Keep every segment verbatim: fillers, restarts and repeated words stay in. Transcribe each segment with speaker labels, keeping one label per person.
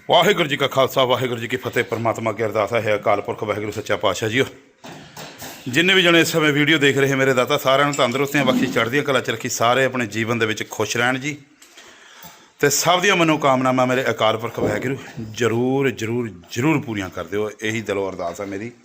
Speaker 1: वाहिगुरू जी का खालसा वाहिगुरू जी की फतेह। परमात्मा की अरदास है अकाल पुरख वाहिगुरू सच्चा पातशाह जी। जिन्हें भी जने इस समय वीडियो देख रहे हैं मेरे दाता सारिਆਂ ਨੂੰ ਤੰਦਰੁਸਤੀਆਂ बख्शी चढ़दियां कला च रखी, सारे अपने जीवन ਦੇ ਵਿੱਚ खुश रहन जी। तो सब ਦੀਆਂ मनोकामनावां मेरे अकाल पुरख वाहिगुरू जरूर जरूर जरूर पूरियां कर दिओ, यही दिलों अरदास है मेरी।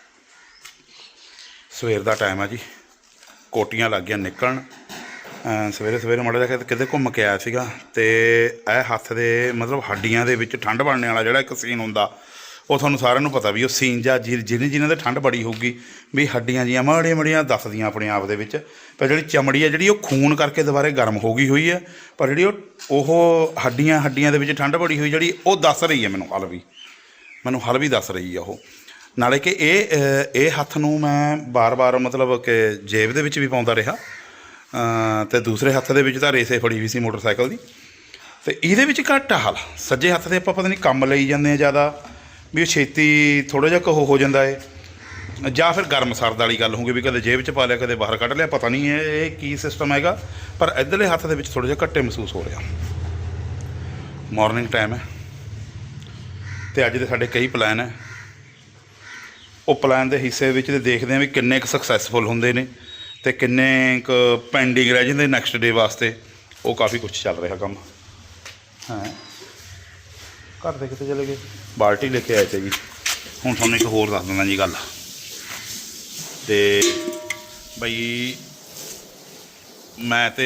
Speaker 1: सवेर का टाइम है जी, कोटियां लग गई निकलन। सवेरे सवेरे माड़ा जिहा किते घूम के आया सीगा ते यह हत्थ दे मतलब हड्डियां दे विच ठंड बनने वाला जिहड़ा एक सीन हुंदा वो तुहानूं सारिਆਂ ਨੂੰ पता भी वो सीन जा जिन्हें जिन्हें दे ठंड बड़ी होगी भी हड्डियां जियां माड़ियां माड़ियां दसदियां अपने आप दे विच। पर जिहड़ी चमड़ी है जिहड़ी वो खून करके दुबारे गर्म हो गई हुई है, पर जिहड़ी वो हड्डियां हड्डियां दे विच ठंड बड़ी हुई जिहड़ी वो दस रही है मैनूं हल भी मैनूं हल भी दस रही है वो। नाले कि ये हत्थ नूं मैं बार बार मतलब कि जेब दे विच भी पाउंदा रहा तो दूसरे हत्थ दे विच तां रेसे फड़ी हुई सी मोटरसाइकिल की। तो ये घट हाल सज्जे हत्थ से आपां पता नहीं कम लई जांदे ज़्यादा भी छेती थोड़ा जिहा कहो हो जाता है, या फिर गर्म सर्द वाली गल होगी भी कदे जेब च पा लिया कदे बाहर कढ़ लिया, पता नहीं है ये की सिस्टम हैगा। पर इधरले हत्थ दे विच थोड़ा जिहा घट्टे महसूस हो रहा। मॉर्निंग टाइम है तो अज दे साडे कई प्लान है, वो प्लान के हिस्से विच देखते हैं भी किन्ने क सक्सैसफुल होंदे ने ते किन्ने क पेंडिंग रह जाते नैक्सट डे वास्ते। वो काफ़ी कुछ चल रहा काम है। घर दे किते चले गए, बाल्टी लेके आए थे जी। हुण तुहानूं एक होर दस दिंदा जी गल ते बई मैं ते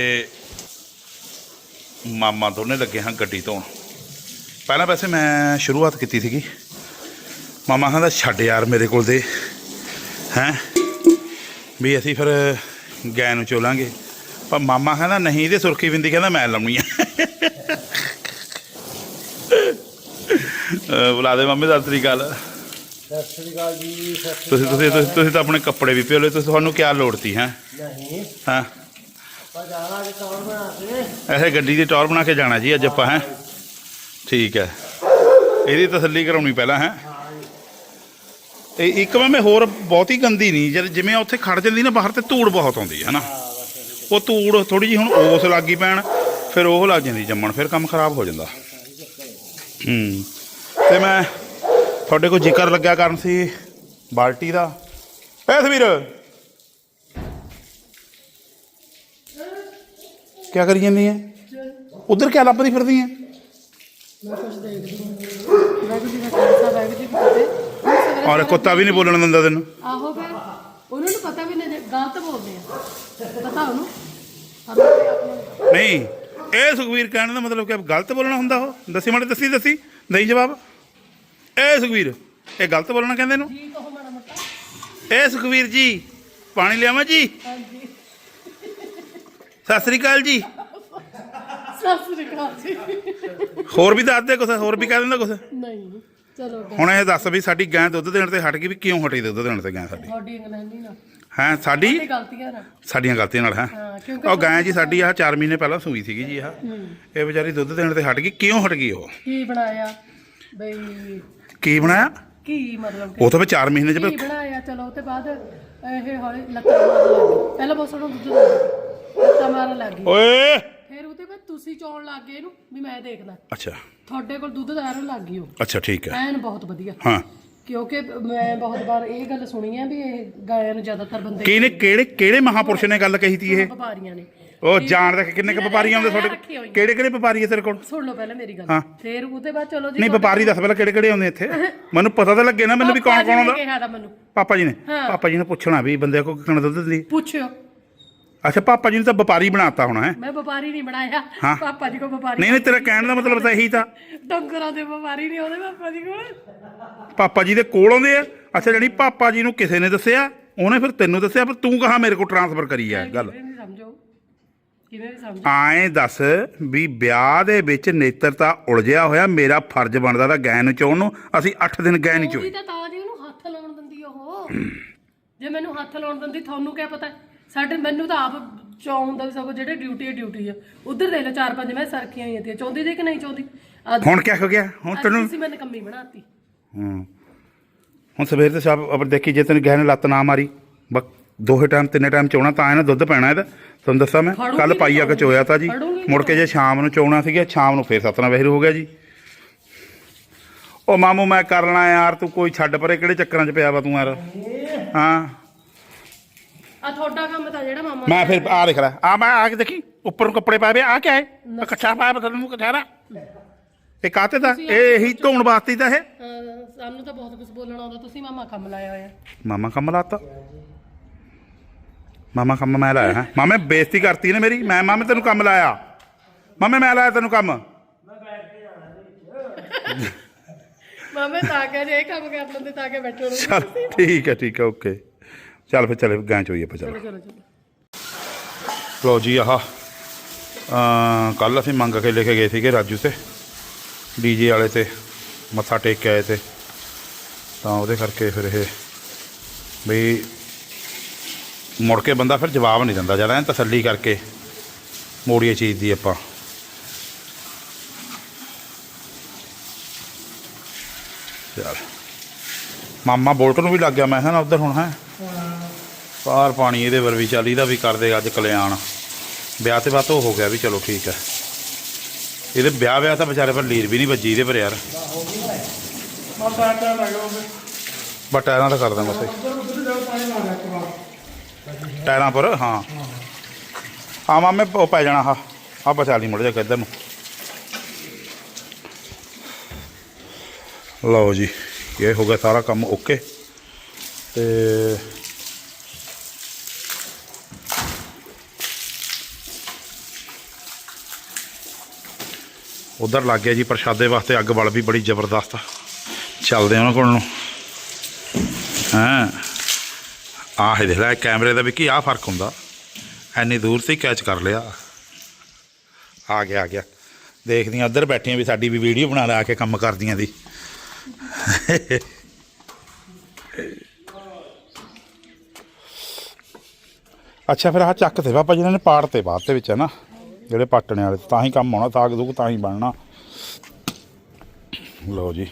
Speaker 1: मामा दोने लगे हाँ गड्डी धोण। पहला वैसे मैं शुरुआत की थी, मामा कहता छड्ड यार मेरे कोल दे हैं भी असी फिर गै नूं चोलांगे, पर मामा कहता नहीं ये सुरखी बिंदी कहता मैं लाउणी है। बुला दे मामे सत श्री अकाल। तुसीं तो अपने कपड़े भी पिओ ले, तुहानूं क्या लोड़ थी हैं? हाँ ऐसे गड्डी की टौर बना के जाना जी अज आपां हैं, ठीक है। ਇਹਦੀ तसल्ली कराउणी पहला है। एक मैं होर बहुत ही गंदी नहीं जब जिमें उत्थे खड़ जाती ना बाहर तो धूड़ बहुत आती है ना, वो धूड़ थोड़ी जी हुण ओस लग गई पैण फिर वो लग जाती जम्मण, फिर काम खराब हो जाता। हूँ तो मैं थोड़े को जिक्र लग्या करन सी बाल्टी का। ए सवीर क्या करी जाती है उधर, क्या लभदी फिरदी है? और कुत्ता भी नहीं बोलने दिंदा तैनूं?
Speaker 2: आहो फिर उन्होंने पता भी नहीं गलत बोलते हैं पता उन्होंने
Speaker 1: नहीं। ਇਹ ਸੁਖਵੀਰ ਕਹਿਣ ਦਾ मतलब कि गलत बोलना ਹੁੰਦਾ ਉਹ? दसी माड़े दसी दसी दई जवाब। ਇਹ ਸੁਖਵੀਰ ਇਹ गलत बोलना ਕਹਿੰਦੇ ਇਹਨੂੰ? ਇਹ ਸੁਖਵੀਰ जी पानी लियावां जी? सत श्री अकाल जी।
Speaker 2: सत श्री अकाल जी।
Speaker 1: होर भी दस दे कुछ, होर भी कह दिंदा कुछ?
Speaker 2: नहीं चलो
Speaker 1: ਹੁਣ ਇਹ ਦੱਸ ਵੀ ਸਾਡੀ ਗਾਂ ਦੁੱਧ ਦੇਣ ਤੇ ਹਟ ਗਈ, ਵੀ ਕਿਉਂ ਹਟੀ ਦੁੱਧ ਦੇਣ ਤੇ ਗਾਂ ਸਾਡੀ?
Speaker 2: ਤੁਹਾਡੀ ਇੰਗਲੈਂਡੀ ਨਾ
Speaker 1: ਹੈਂ ਸਾਡੀ
Speaker 2: ਗਲਤੀਆਂ ਨਾ
Speaker 1: ਸਾਡੀਆਂ ਗਲਤੀਆਂ ਨਾਲ ਹੈ। ਉਹ ਗਾਂ ਜੀ ਸਾਡੀ ਆਹ ਚਾਰ ਮਹੀਨੇ ਪਹਿਲਾਂ ਸੂਈ ਸੀਗੀ ਜੀ। ਆਹ ਇਹ ਵਿਚਾਰੀ ਦੁੱਧ ਦੇਣ ਤੇ ਹਟ ਗਈ, ਕਿਉਂ ਹਟ ਗਈ? ਉਹ
Speaker 2: ਕੀ ਬਣਾਇਆ ਬਈ?
Speaker 1: ਕੀ ਬਣਾਇਆ?
Speaker 2: ਕੀ ਮਤਲਬ
Speaker 1: ਉਹ ਤਾਂ ਮੈਂ ਚਾਰ ਮਹੀਨੇ ਚ
Speaker 2: ਕੀ ਬਣਾਇਆ? ਚਲੋ ਤੇ ਬਾਅਦ ਇਹ ਹੌਲੀ ਲੱਤਾਂ ਮਾਰਨ ਲੱਗ ਗਈ। ਪਹਿਲਾਂ ਬਹੁਤ ਸੋਹਣਾ ਦੁੱਧ ਦਿੰਦਾ, ਲੱਤਾਂ ਮਾਰਨ ਲੱਗ ਗਈ।
Speaker 1: ਓਏ
Speaker 2: ਫਿਰ ਉਹਦੇ ਬਾਅਦ ਤੁਸੀਂ ਚੌਣ ਲੱਗ ਗਏ ਇਹਨੂੰ ਵੀ ਮੈਂ ਦੇਖਦਾ।
Speaker 1: ਅੱਛਾ
Speaker 2: ਤੁਹਾਡੇ ਕੋਲ ਦੁੱਧ ਦਾਰਨ ਲੱਗ ਗਈ ਉਹ।
Speaker 1: ਅੱਛਾ ਠੀਕ ਹੈ।
Speaker 2: ਐਨ ਬਹੁਤ ਵਧੀਆ।
Speaker 1: ਹਾਂ
Speaker 2: ਕਿਉਂਕਿ ਮੈਂ ਬਹੁਤ ਵਾਰ ਇਹ ਗੱਲ ਸੁਣੀ ਹੈ ਵੀ ਇਹ ਗਾਇਆਂ ਨੂੰ ਜ਼ਿਆਦਾਤਰ ਬੰਦੇ
Speaker 1: ਕਿਹਨੇ ਕਿਹੜੇ ਕਿਹੜੇ ਮਹਾਪੁਰਸ਼ ਨੇ ਗੱਲ ਕਹੀ ਤੀ ਇਹ?
Speaker 2: ਵਪਾਰੀਆਂ ਨੇ।
Speaker 1: ਉਹ ਜਾਣਦਾ ਕਿੰਨੇ ਕ ਵਪਾਰੀ ਆਉਂਦੇ ਤੁਹਾਡੇ? ਕਿਹੜੇ ਕਿਹੜੇ ਵਪਾਰੀ ਹੈ ਤੇਰੇ ਕੋਲ?
Speaker 2: ਸੁਣ ਲਓ ਪਹਿਲਾਂ ਮੇਰੀ ਗੱਲ,
Speaker 1: ਹਾਂ
Speaker 2: ਫਿਰ ਉਹਦੇ ਬਾਅਦ ਚਲੋ ਜੀ।
Speaker 1: ਨਹੀਂ ਵਪਾਰੀ ਦੱਸ ਪਹਿਲਾਂ ਕਿਹੜੇ ਕਿਹੜੇ ਆਉਂਦੇ ਇੱਥੇ, ਮੈਨੂੰ ਪਤਾ ਤਾਂ ਲੱਗੇ ਨਾ ਮੈਨੂੰ ਵੀ ਕੌਣ ਕੌਣ ਆਉਂਦਾ।
Speaker 2: ਮੈਨੂੰ
Speaker 1: ਪਾਪਾ ਜੀ ਨੇ ਪਾਪਾ ਜੀ ਨੇ ਪੁੱਛਣਾ ਵੀ ਬੰਦੇ ਕੋਲ ਕਿੰਨਾ ਦੁੱਧ ਦਿੰਦੀ?
Speaker 2: ਪੁੱਛਿਓ।
Speaker 1: ਅੱਛਾ ਪਾਪਾ ਜੀ ਨੇ ਤਾਂ ਵਪਾਰੀ ਬਣਾਤਾ ਹੋਣਾ ਹੈ?
Speaker 2: ਮੈਂ ਵਪਾਰੀ ਨਹੀਂ ਬਣਾਇਆ, ਪਾਪਾ ਜੀ ਕੋ ਵਪਾਰੀ।
Speaker 1: ਨਹੀਂ ਨਹੀਂ ਤੇਰਾ ਕਹਿਣ ਦਾ ਮਤਲਬ ਤਾਂ ਇਹੀ ਤਾਂ
Speaker 2: ਡੰਗਰਾਂ ਦੇ ਵਪਾਰੀ ਨਹੀਂ ਆਉਂਦੇ ਪਾਪਾ ਜੀ ਕੋਲ,
Speaker 1: ਪਾਪਾ ਜੀ ਦੇ ਕੋਲ ਆਉਂਦੇ ਆ। ਅੱਛਾ ਜਿਹੜੀ ਪਾਪਾ ਜੀ ਨੂੰ ਕਿਸੇ ਨੇ ਦੱਸਿਆ ਉਹਨੇ ਫਿਰ ਤੈਨੂੰ ਦੱਸਿਆ, ਪਰ ਤੂੰ ਕਹਾ ਮੇਰੇ ਕੋਲ ਟ੍ਰਾਂਸਫਰ ਕਰੀ ਹੈ ਗੱਲ?
Speaker 2: ਸਮਝੋ ਕਿਵੇਂ ਵੀ ਸਮਝੋ।
Speaker 1: ਆਏਂ ਦੱਸ ਵੀ ਵਿਆਹ ਦੇ ਵਿੱਚ ਨੇਤਰਤਾ ਉਲਝਿਆ ਹੋਇਆ, ਮੇਰਾ ਫਰਜ਼ ਬਣਦਾ ਤਾਂ ਗੈਂ ਨੂੰ ਚੋਣ ਨੂੰ। ਅਸੀਂ ਅੱਠ ਦਿਨ ਗੈਂ ਨਹੀਂ ਚੋਈ।
Speaker 2: ਤਾਂ ਤਾਂ ਜੀ ਉਹਨੂੰ ਹੱਥ ਲਾਉਣ ਦਿੰਦੀ ਉਹ, ਜੇ ਮੈਨੂੰ ਹੱਥ ਲਾਉਣ ਦਿੰਦੀ ਤੁਹਾਨੂੰ ਕੀ ਪਤਾ? ਸਾਡੇ ਮੈਨੂੰ ਤਾਂ ਆਪ ਚਾਹੁੰਦਾ ਵੀ ਸਗੋਂ ਜਿਹੜੇ ਡਿਊਟੀ ਹੈ ਡਿਊਟੀ ਆ। ਉਧਰ ਦੇਖ ਲਓ ਚਾਰ ਪੰਜ ਮੈਂ ਸਰਕੀਆਂ ਹੀ ਆਉਂਦੀਆਂ, ਚਾਹੁੰਦੀ ਦੇ ਕਿ ਨਹੀਂ ਚਾਹੁੰਦੀ?
Speaker 1: ਹੁਣ ਕੀ ਹੋ ਗਿਆ? ਹੁਣ ਤੈਨੂੰ
Speaker 2: ਤੁਸੀਂ ਮੈਨੂੰ ਕੰਮੀ ਬਣਾਤੀ।
Speaker 1: ਹੂੰ ਹੁਣ ਸਵੇਰ ਤੇ ਸਾਬ ਅਬਰ ਦੇਖੀ ਜੇ ਤੈਨੂੰ ਗਹਿ ਨੇ ਲੱਤ ਨਾ ਮਾਰੀ ਬਸ ਦੋਹੇ ਟਾਈਮ ਤਿੰਨੇ ਟਾਈਮ ਚੋਣਾ ਤਾਂ ਇਹਨੇ ਦੁੱਧ ਪੈਣਾ ਇਹਦਾ। ਤੁਹਾਨੂੰ ਦੱਸਾਂ ਮੈਂ ਕੱਲ ਪਾਈ ਆ ਕੇ ਚੋਇਆ ਤਾਂ ਜੀ, ਮੁੜ ਕੇ ਜੇ ਸ਼ਾਮ ਨੂੰ ਚੋਣਾ ਸੀਗਾ ਸ਼ਾਮ ਨੂੰ ਫੇਰ ਸਤਨਾ ਵਹਿਰੂ ਹੋ ਗਿਆ ਜੀ। ਉਹ ਮਾਮੂ ਮੈਂ ਕਰਨਾ ਯਾਰ ਤੂੰ ਕੋਈ ਛੱਡ ਪਰੇ ਕਿਹੜੇ ਚੱਕਰਾਂ 'ਚ ਪਿਆ ਵਾ ਤੂੰ ਯਾਰ ਹਾਂ
Speaker 2: ਆ ਤੁਹਾਡਾ ਕੰਮ ਤਾਂ ਜਿਹੜਾ ਮਾਮਾ
Speaker 1: ਮੈਂ ਫਿਰ ਆ ਦੇਖ ਲੈ ਆ ਮੈਂ ਆ ਕੇ ਦੇਖੀ ਉੱਪਰ ਨੂੰ ਕੱਪੜੇ ਪਾਏ ਵੇ ਆ ਕਿਆ ਹੈ ਇਕੱਠਾ ਪਾਇਆ ਬਦਲ ਨੂੰ ਕਚਾਰਾ ਇਹ ਕਾਤੇ ਦਾ ਇਹ ਇਹੀ ਧੋਣ ਵਾਸਤੇ ਤਾਂ ਇਹ
Speaker 2: ਹਾਂ, ਸਾਨੂੰ ਤਾਂ ਬਹੁਤ ਕੁਝ ਬੋਲਣਾ ਆਉਂਦਾ ਤੁਸੀਂ ਮਾਮਾ ਕੰਮ ਲਾਇਆ ਹੋਇਆ
Speaker 1: ਮਾਮਾ ਕੰਮ ਲਾਤਾ ਮਾਮਾ ਕੰਮ ਮੈਂ ਲਾਇਆ ਹੈ ਮਾਮੇ ਬੇਇੱਜ਼ਤੀ ਕਰਤੀ ਨੇ ਮੇਰੀ ਮੈਂ ਮਾਮੇ ਤੈਨੂੰ ਕੰਮ ਲਾਇਆ ਮਾਮੇ ਮੈਂ ਲਾਇਆ ਤੈਨੂੰ ਕੰਮ
Speaker 2: ਮਾਮੇ ਤਾਂ ਕਿ ਜੇ ਇਹ ਕੰਮ ਕਰ ਲੈਂਦੇ ਤਾਂ ਕਿ ਬੈਠੋ ਰਹੋ
Speaker 1: ਚੱਲ ਠੀਕ ਹੈ ਠੀਕ ਹੈ ਓਕੇ ਚੱਲ ਫਿਰ ਚਲੇ ਗਾਂ ਚੋਈਏ ਆਪਾਂ
Speaker 2: ਚਲੋ
Speaker 1: ਚਲੋ
Speaker 2: ਚਲੋ ਚਲੋ
Speaker 1: ਲੋ ਜੀ ਆਹ ਕੱਲ ਅਸੀਂ ਮੰਗ ਕੇ ਲੈ ਕੇ ਗਏ ਸੀਗੇ ਰਾਜੂ ਤੇ ਡੀਜੇ ਵਾਲੇ ਤੇ ਮੱਥਾ ਟੇਕ ਕੇ ਆਏ ਤੇ ਤਾਂ ਉਹਦੇ ਕਰਕੇ ਫਿਰ ਇਹ ਬਈ ਮੁੜ ਕੇ ਬੰਦਾ ਫਿਰ ਜਵਾਬ ਨਹੀਂ ਦਿੰਦਾ ਜਿਆਦਾ ਤਸੱਲੀ ਕਰਕੇ ਮੋੜੀਏ ਚੀਜ਼ ਦੀ ਆਪਾਂ ਚੱਲ ਮਾਮਾ ਬੋਲਟ ਨੂੰ ਵੀ ਲੱਗ ਗਿਆ ਮੈਂ ਕਿਹਾ ਨਾ ਉੱਧਰ ਹੁਣ ਹੈ ਬਾਹਰ ਪਾਣੀ ਇਹਦੇ ਵਰ ਵੀ ਚੱਲ ਇਹਦਾ ਵੀ ਕਰਦੇ ਅੱਜ ਕਲਿਆਣ ਵਿਆਹ ਤੇ ਬਾਤ ਹੋ ਗਿਆ ਵੀ ਚਲੋ ਠੀਕ ਹੈ ਇਹਦੇ ਵਿਆਹ ਵਿਆਹ ਤਾਂ ਵਿਚਾਰੇ ਪਰ ਲੀਰ ਵੀ ਨਹੀਂ ਵੱਜੀ ਇਹਦੇ ਪਰ ਯਾਰ ਬਸ ਟਾਇਰਾਂ ਤਾਂ ਕਰ ਦਾਂ ਬਸ ਟਾਇਰਾਂ ਪਰ ਹਾਂ ਹਾਂ ਮਾਮੇ ਉਹ ਪੈ ਜਾਣਾ ਹਾਂ ਆ ਬਚਾ ਲਈ ਮੁੜ ਜਾ ਕੇ ਇੱਧਰ ਨੂੰ ਲਓ ਜੀ ਇਹ ਹੋ ਗਿਆ ਸਾਰਾ ਕੰਮ ਓਕੇ ਤੇ ਉਧਰ ਲੱਗ ਗਿਆ ਜੀ ਪ੍ਰਸ਼ਾਦੇ ਵਾਸਤੇ ਅੱਗ ਬਲ ਵੀ ਬੜੀ ਜ਼ਬਰਦਸਤ ਚੱਲਦੇ ਉਹਨਾਂ ਕੋਲ ਨੂੰ ਹਾਂ ਆਹ ਦੇਖ ਲੈ ਕੈਮਰੇ ਦਾ ਵੀ ਕੀ ਆਹ ਫਰਕ ਹੁੰਦਾ ਐਨੀ ਦੂਰ ਤੇ ਕੈਚ ਕਰ ਲਿਆ ਆ ਗਿਆ ਆ ਗਿਆ ਦੇਖਦੀਆਂ ਉੱਧਰ ਬੈਠੀਆਂ ਵੀ ਸਾਡੀ ਵੀ ਵੀਡੀਓ ਬਣਾ ਲਾ ਕੇ ਕੰਮ ਕਰਦੀਆਂ ਦੀ ਅੱਛਾ ਫਿਰ ਆਹ ਚੱਕ ਤੇ ਪਾਪਾ ਜਿਹਨਾਂ ਨੇ ਪਾੜ ਤੇ ਬਾਅਦ ਦੇ ਵਿੱਚ ਹੈ ਨਾ ਜਿਹੜੇ ਪਾਟਣੇ ਵਾਲੇ ਤਾਂ ਹੀ ਕੰਮ ਆਉਣਾ ਸਾਗ ਦੂਗ ਤਾਂ ਹੀ ਬਣਨਾ ਲਓ ਜੀ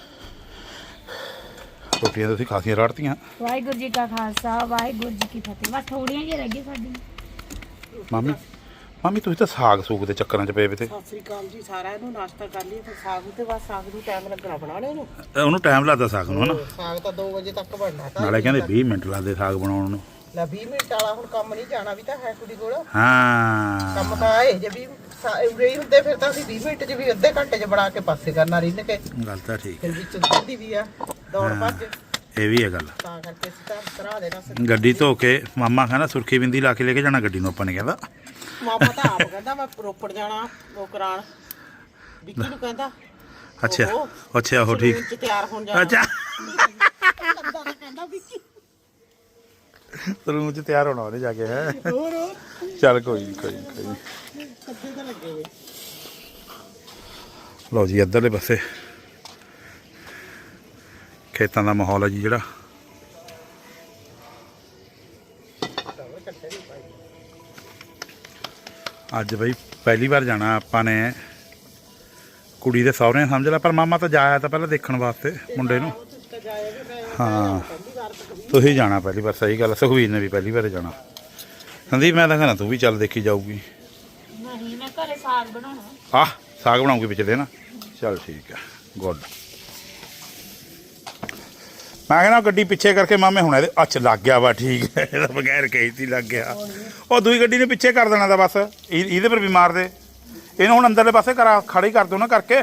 Speaker 1: ਰੋਟੀਆਂ ਤੁਸੀਂ ਖਾਸੀਆਂ ਰਾੜਤੀਆਂ
Speaker 3: ਵਾਹਿਗੁਰੂ ਜੀ ਕਾ ਖਾਲਸਾ ਵਾਹਿਗੁਰੂ ਜੀ ਕੀ ਫਤਿਹ ਬਸ ਥੋੜੀਆਂ ਜਿਹੀਆਂ ਰਹਿ ਗਈਆਂ ਸਾਡੀ
Speaker 1: ਮਾਮੀ ਮਾਮੀ ਤੁਸੀਂ ਤਾਂ ਸਾਗ ਸੂਗ ਦੇ ਚੱਕਰਾਂ 'ਚ ਪਏ ਵੇ ਤੇ
Speaker 4: ਸਤਿ ਸ੍ਰੀ ਅਕਾਲ ਜੀ ਸਾਰਿਆਂ ਨੂੰ ਨਾਸ਼ਤਾ ਕਰ ਲਈ ਤੇ ਸਾਗ ਤੇ ਬਸ ਸਾਗ ਨੂੰ ਟਾਈਮ ਲੱਗਣਾ ਬਣਾਉਣੇ ਨੂੰ
Speaker 1: ਉਹਨੂੰ ਟਾਈਮ ਲੱਗਦਾ ਸਾਗ ਨੂੰ ਹਨਾ
Speaker 4: ਸਾਗ ਤਾਂ ਦੋ ਵਜੇ ਤੱਕ ਬਣਨਾ ਤਾਂ
Speaker 1: ਨਾਲੇ ਕਹਿੰਦੇ ਵੀਹ ਮਿੰਟ ਲੱਗਦੇ ਸਾਗ ਬਣਾਉਣ ਨੂੰ
Speaker 4: ਲੈ ਵੀਹ ਮਿੰਟ ਵਾਲਾ ਹੁਣ ਕੰਮ ਨਹੀਂ ਜਾਣਾ ਵੀ ਤਾਂ ਹੈ ਕੁੜੀ ਕੋਲ
Speaker 1: ਹਾਂ
Speaker 4: ਕੰਮ ਤਾਂ ਆਏ ਜੇ ਵੀ ਉਰੇ ਹੀ ਹੁੰਦੇ ਫਿਰ ਤਾਂ ਅਸੀਂ ਵੀਹ ਮਿੰਟ 'ਚ ਵੀ ਅੱਧੇ ਘੰਟੇ 'ਚ ਬਣਾ ਕੇ ਪਾਸੇ ਕਰਨਾ ਰਿੰਨ ਕੇ
Speaker 1: ਗੱਲ ਤਾਂ ਠੀਕ
Speaker 4: ਫਿਰ ਵਿੱਚ ਦੁੱਧੀ ਵੀ ਆ ਦੌੜ ਭੱਜ
Speaker 1: ਇਹ ਵੀ ਹੈ ਗੱਲ
Speaker 4: ਤਾਂ ਕਰਕੇ ਅਸੀਂ ਤਾਂ ਤਰਾ ਦੇਣਾ ਸੀ
Speaker 1: ਗੱਡੀ ਧੋ ਕੇ ਮਾਮਾ ਕਹਿੰਦਾ ਸੁਰਖੀ ਬਿੰਦੀ ਲਾ ਕੇ ਲੈ ਕੇ ਜਾਣਾ ਗੱਡੀ ਨੂੰ ਆਪਾਂ ਨੇ ਕਹਿੰਦਾ
Speaker 4: ਮਾਮਾ ਤਾਂ ਆਪ ਕਹਿੰਦਾ ਮੈਂ ਰੋਪੜ ਜਾਣਾ ਉਹ ਕਰਾਣ ਵਿੱਕੀ ਨੂੰ ਕਹਿੰਦਾ
Speaker 1: ਅੱਛਾ
Speaker 4: ਉਹ
Speaker 1: ਅੱਛਾ ਉਹ ਠੀਕ
Speaker 4: ਚ ਤਿਆਰ ਹੋਣ ਜਾਣਾ
Speaker 1: ਅੱਛਾ
Speaker 4: ਕਹਿੰਦਾ ਵਿੱਕੀ
Speaker 1: ਸਲੂਨ 'ਚ ਤਿਆਰ ਹੋਣਾ ਉਹਨੇ ਜਾ ਕੇ ਹੈ
Speaker 4: ਹੋਰ
Speaker 1: ਚੱਲ ਕੋਈ ਨਹੀਂ ਕੋਈ ਨੀ, ਕੋਈ ਨੀ।
Speaker 4: ਅੱਧੇ ਤਾਂ ਲੱਗੇ ਵੇ
Speaker 1: ਲਓ ਜੀ ਇੱਧਰਲੇ ਪਾਸੇ ਖੇਤਾਂ ਦਾ ਮਾਹੌਲ ਹੈ ਜੀ ਜਿਹੜਾ ਅੱਜ ਬਈ ਪਹਿਲੀ ਵਾਰ ਜਾਣਾ ਆਪਾਂ ਨੇ ਕੁੜੀ ਦੇ ਸਹੁਰੇ ਸਮਝ ਲੈ ਪਰ ਮਾਮਾ ਤਾਂ ਜਾਇਆ ਤਾਂ ਪਹਿਲਾਂ ਦੇਖਣ ਵਾਸਤੇ ਮੁੰਡੇ ਨੂੰ ਹਾਂ ਤੁਸੀਂ ਜਾਣਾ ਪਹਿਲੀ ਵਾਰ ਸਹੀ ਗੱਲ ਸੁਖਵੀਰ ਨੇ ਵੀ ਪਹਿਲੀ ਵਾਰ ਜਾਣਾ ਸੰਦੀਪ ਮੈਂ ਤਾਂ ਕਹਿੰਦਾ ਤੂੰ ਵੀ ਚੱਲ ਦੇਖੀ ਜਾਊਗੀ
Speaker 3: ਨਹੀਂ ਮੈਂ ਘਰੇ ਸਾਗ ਬਣਾਉਣਾ
Speaker 1: ਆਹ ਸਾਗ ਬਣਾਉਂਗੀ ਵਿੱਚ ਦੇ ਨਾ ਚੱਲ ਠੀਕ ਹੈ ਗੁੱਡ ਮੈਂ ਕਹਿੰਦਾ ਗੱਡੀ ਪਿੱਛੇ ਕਰਕੇ ਮਾਮੇ ਹੁਣ ਇਹਦੇ ਅੱਛ ਲੱਗ ਗਿਆ ਵਾ ਠੀਕ ਹੈ ਇਹਦਾ ਬਗੈਰ ਕਹੀ ਤੀ ਲੱਗ ਗਿਆ ਉਹ ਦੂਈ ਗੱਡੀ ਨੇ ਪਿੱਛੇ ਕਰ ਦੇਣਾ ਦਾ ਬਸ ਇਹ- ਇਹਦੇ ਪਰ ਵੀ ਮਾਰ ਦੇ ਇਹਨੂੰ ਹੁਣ ਅੰਦਰਲੇ ਪਾਸੇ ਕਰਾ ਖੜੀ ਕਰ ਦਿਓ ਨਾ ਕਰਕੇ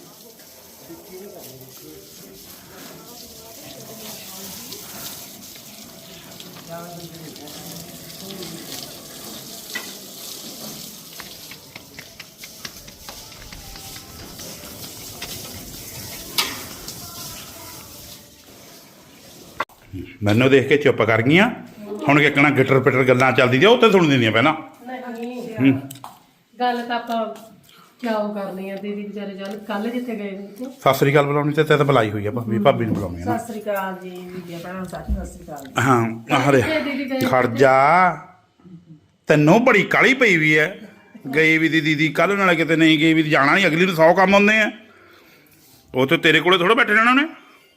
Speaker 1: ਮੈਨੂੰ ਦੇਖ ਕੇ ਚੁੱਪ ਕਰ ਗਈਆਂ ਹੁਣ ਕਿਕਣਾ ਗਿੱਟਰ ਪਿੱਟਰ ਗੱਲਾਂ ਚੱਲਦੀ ਦੀਆਂ ਉਹ ਤੇ ਸੁਣ ਦਿੰਦੀਆਂ ਪਹਿਲਾਂ
Speaker 2: ਨਹੀਂ ਗੱਲ ਤਾਂ ਆਪਾਂ ਕਿਆ ਉਹ ਕਰਨੀ ਆ ਦੀਦੀ ਵਿਚਾਰੇ ਜਨ ਕੱਲ ਜਿੱਥੇ ਗਏ ਨੇ
Speaker 1: ਸਤਿ ਸ੍ਰੀ ਅਕਾਲ ਬੁਲਾਉਣੀ ਤੇ ਤੇ ਤਾਂ ਬੁਲਾਈ ਹੋਈ ਆ ਭਾਬੀ ਭਾਬੀ ਨੂੰ ਬੁਲਾਉਣੀ ਆ ਨਾ
Speaker 4: ਸਤਿ ਸ੍ਰੀ ਅਕਾਲ ਜੀ ਵੀਡੀਓ ਭੈਣ ਸਤਿ ਸ੍ਰੀ ਅਕਾਲ
Speaker 1: ਹਾਂ ਆਹ ਦੇ
Speaker 2: ਦੀਦੀ ਗਏ
Speaker 1: ਖੜ ਜਾ ਤੈਨੂੰ ਬੜੀ ਕਾਲੀ ਪਈ ਵੀ ਐ ਗਈ ਵੀ ਦੀ ਦੀਦੀ ਕੱਲ ਨਾਲ ਕਿਤੇ ਨਹੀਂ ਗਈ ਵੀ ਜਾਣਾ ਨਹੀਂ ਅਗਲੀ ਨੂੰ ਸੌ ਕੰਮ ਹੁੰਦੇ ਆ ਉਹ ਤੇ ਤੇਰੇ ਕੋਲੇ ਥੋੜਾ ਬੈਠੇ ਰਹਿਣਾ ਉਹਨੇ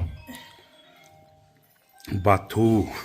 Speaker 1: ਬਾਥੂ